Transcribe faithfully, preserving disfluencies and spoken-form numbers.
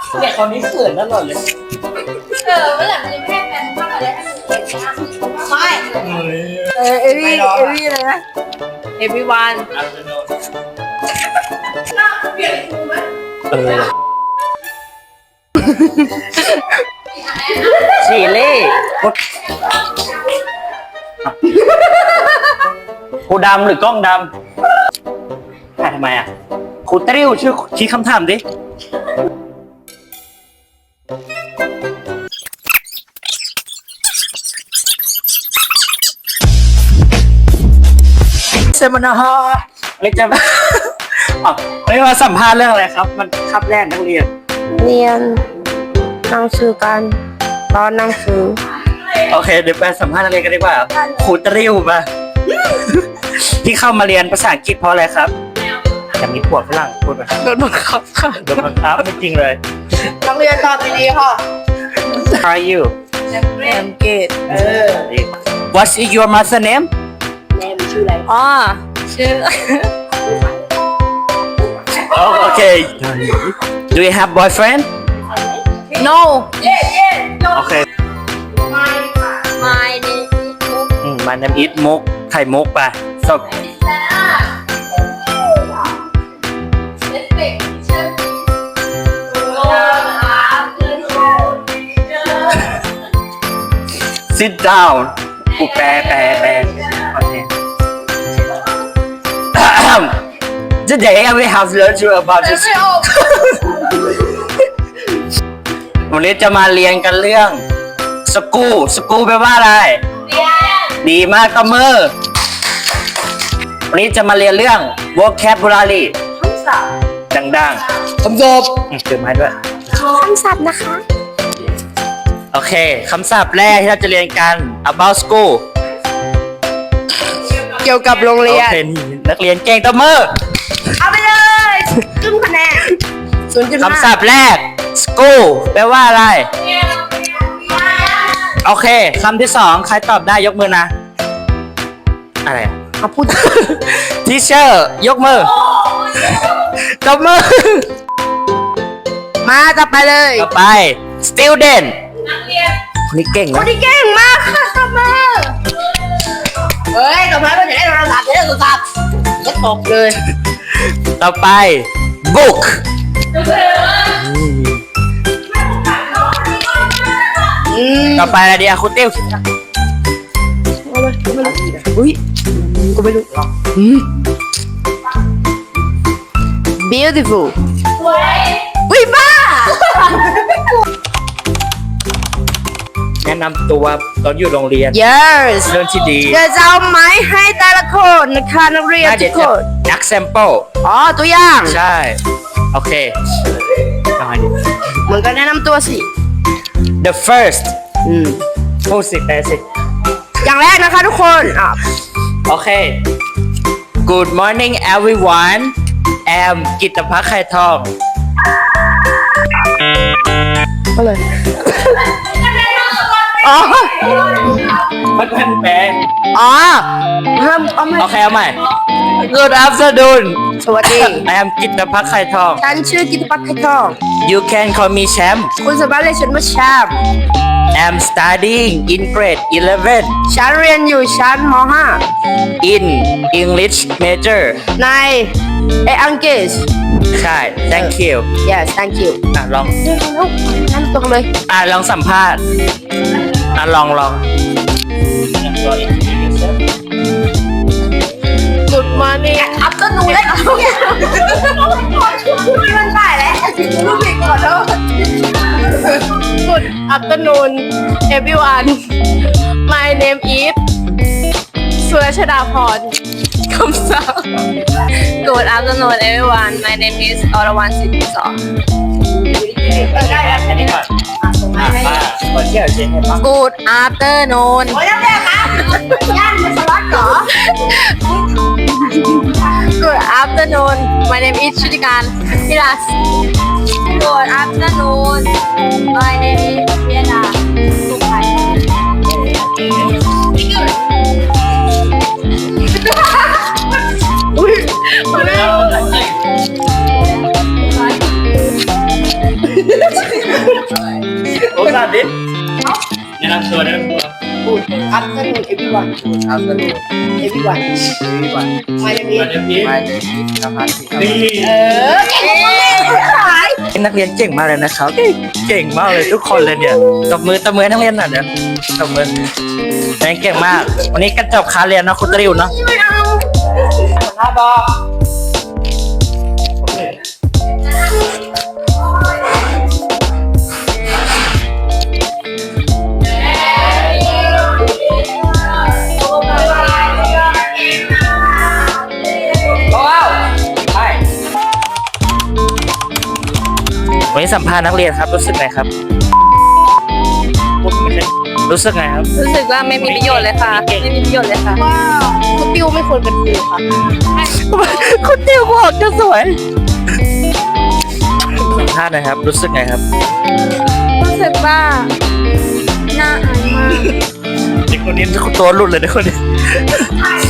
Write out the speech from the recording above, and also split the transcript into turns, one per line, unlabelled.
เนี่ยคนนี้เขินตลอดเลย
เออเมื่อไหร่มันจะไม่ให้แฟนมากกว่าได้ถ้ามันเก่งนะไม่
เออเอวี่เอวี่เลยนะ everyone
เปลี่ยนครูไหม
เออชีเล่ครูดำหรือกล้องดำถ่ายทำไมอ่ะครูเตริวชื่อชี้คำถามดิเซมินาร์ไม่จะอ๋อไม่มาสัมภาษณ์เรื่องอะไรครับ มันคับแรกนักเรียน
เรียนหนังสือกันตอนหนังสือ
โอเคเดี๋ยวไปสัมภาษณ์นักเรียนกันดีกว่าครูตริวมา ที่เข้ามาเรียนภาษาอังกฤษเพราะอะไรครับอยากมีผัวฝรั่งพูดมา
โดนบังคับค่ะ
โดนบังคับไม่จริงเลย
นักเรียนตอบดีๆค่ะ
How are you
แอมเกตเออ
What's your mother name
แนมชื่ออะไร
อ๋อชื่อ
Oh okay Do you have boyfriend
no
เย้เย้จบ
Okay
ไม่ค่ะ
my name
อืม My name is มุกไข่มุกไปจบ
Respect teacher please โอ้ครับเพื่อนโอ้
Sit down กูแปลแปลแปลโอเค Today I will have learned you about this
ไม่ออก
วันนี้จะมาเรียนกันเรื่องสกูสกูแปลว่าอะไร
เรียน
ดีมากตบมือวันนี้จะมาเรียนเรื่อง vocabulary
คำศัพท์
ดังๆคำศัพท์ถือไม้ด้วย
คำศัพท์นะคะ
โอเค คำศัพท์แรกที่เราจะเรียนกัน about school
เกี่ยวกับโรง
โอ
เรียน
เคนี่นักเรียนเก่งตบมือ
เอาไปเลยครึ่งคะแนนศูนย์จุดห้า
คำศัพท์แรก school แปลว่าอะไร
เรียนเรียนเรียน
โอเค คำที่สองใครตอบได้ยกมือนะ อะไรอะ
เอาพูด
teacher ยกมือตบมือ
มาต่อไปเลย
ต่อไป student
นักเรียน
คนนี้เก่ง
ค
นะ
นที่เก่งมากค่ะต่อมาเฮ้ยต่อมาเราจะได้โทรศัพท์จะได้โทรศัพท์จะตบเลย
ต่อไป book
อืม
ต่อไปอะไรดีอะคุณติ้ว
อุ้ยกูไม่รู้อืม beautiful
สวย
อุ้ยบ้า
แนะนำตัวตอนอยู่โรงเรียน
yes
เรื่องที่ดี
เดี๋ยวจะเอาไม้ให้แต่ละคนนะคะนักเรียน
น่า
ทุ
เดี๋ย
ก
ว
ค
จะ
น
นัก sample
อ๋อตัวอย่าง
ใช่ โอเคเอาไงดี
เหมือนกันแนะนำตัวสิ
the first
อืม
พูดสิแปลสิ
อย่างแรกนะคะทุกคนอ่ะ
โอเค Good morning everyone แอมกิตภักดิ์ไข่ทอง
ก็เลยอ๋อ
มันเป็นแปลง
อ๋อห้ามเอาไม่
โอเคเอาใหม่ Good afternoon
สวัสดี
แอมกิตภักดิ์ไข่ทอง
ฉันชื่อกิตภัทรไข่ทอง
You can call me Champ
คุณสามารถเรียกฉันว่าแชมป์
I'm studying in grade eleven
ฉันเรียนอยู่ชั้นม ห้า
in English major
ในเออังกฤษ
ใช่ thank you
yes thank you
อ่ะลอง
เร็วเร็วนั่นตรงเลย
อ่ะลองสัมภาษณ์อ่ะลองลอง
Good morning
อัพต้นหนูเลยที่มันถ่ายแล้วรู้ผิดขอโทษ
Good afternoon everyone my name is สุรชดาพรคำศัพท์ Good afternoon everyone my name is อรวรรณสิทธิสอน
ได้แล้ว
อันนี้ก่อนอ่ะมาขอเที่ยวเช็คให้ฟัง
Good afternoon
โอ้ยน้ำแดงครับย่านเป็นสล็อตเหรอ
Good afternoon my name is ชุติการพิรัส Good afternoon my name is เบียดาสุขภัย อุ้ย
เโอ้สาดิแนะนำตัวแนะนำตัว
Good afternoon everyone
Afternoon,
everyone
everyone.
My name is
มาเดี๋ยวนี้
My name is Kapasi.
นี่
เออเก่งมากๆ
นักเรียนเก่งมากเลยนะครับ เก่งมากเลยทุกคนเลยเนี่ยตบมือตบมือให้นักเรียนหน่อยเดี๋ยวตบมือนักเรียนเก่งมาก วันนี้ก็จบคาเรียนเนาะคุณตริวเนาะหน้าบอกวันนี้สัมภาษณ์นักเรียนครับรู้สึกไงครับรู้สึกไงครับ
รู้สึกว่าไม่มีประโยชน์เลยค่ะ ไม่มีประโยชน์เลยค่ะ
ว่าคุณติวไม่ควรเป็นครูค่ะ
คุณติวบอกจะสวยสัมภาษณ์หนะครับ รู้สึกไงครับ
รู้สึกว่าน่าอายมาก
เด็กคนนี้ตัวหลุดเลยเด็กคนนี้